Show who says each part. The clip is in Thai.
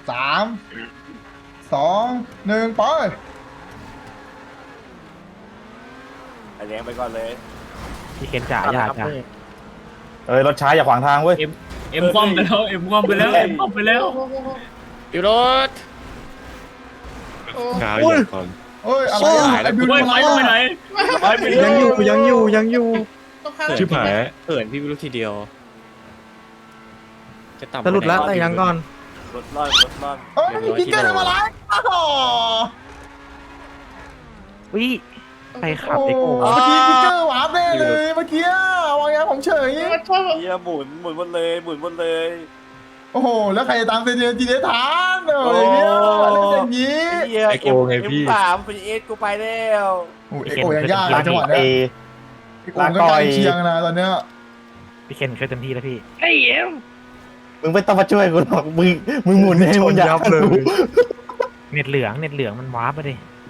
Speaker 1: 3 2 1ไป
Speaker 2: ไอแดงไปก่อนเลย
Speaker 3: พี่เคนจ่าอย่าจ้ะ
Speaker 4: เอ้ยรถช้าอย่าขวางทางเว้ย
Speaker 5: เอ็มคว่ำไปแล้วเอ็มคว่ำไปแล้วเอ็มคว่ำไปแล้ว
Speaker 6: อยู่รถ
Speaker 7: กาวอย่าก่อน
Speaker 1: เอ้ยอะไรอะไอ้บิว
Speaker 5: เฮ้ยไฟไปไหน
Speaker 3: ยังอยู่
Speaker 6: ต้องข้าม
Speaker 7: ชิบหาย
Speaker 6: เขินพี่ไม่รู้ทีเดียว จะต่ำ
Speaker 3: สรุปแล้วอะไรยังก่อน
Speaker 2: รถร่อนรถร่อน
Speaker 1: เอ้ยพี่เกอร์ทำอะไรอ้าว
Speaker 3: วิใครขับไอ้โก้
Speaker 1: เมื่อกี้พี่เกอร์วาร์ปแน่เลยเมื่อกี้วางยาผมเฉย
Speaker 2: เฮียหมุนหมดเลยหมุนหมดเลย
Speaker 1: โอ้โหแล้วใครจะตามเซนเดียนจีเดทานเอออย่างเงี้ยเล่นอย่างงี้
Speaker 2: เฮีย
Speaker 7: ไอโกไงพี่
Speaker 2: สามเป็นเอสกูไปแล้ว
Speaker 1: โอ้ยเอ็กโอยังยากนะจังหวะ
Speaker 4: เอ
Speaker 1: เนี้ยเอ็กโอก็ใกล้เคียงนะตอนเนี้ย
Speaker 3: พี่เคนเคยเต็มที่แล้วพี่
Speaker 4: มึงไม่ต้องมาช่วยกูหรอกมึงหมุนเองมึงอยากรู้
Speaker 3: เน็ตเหลืองมันวาร์ปไปดิ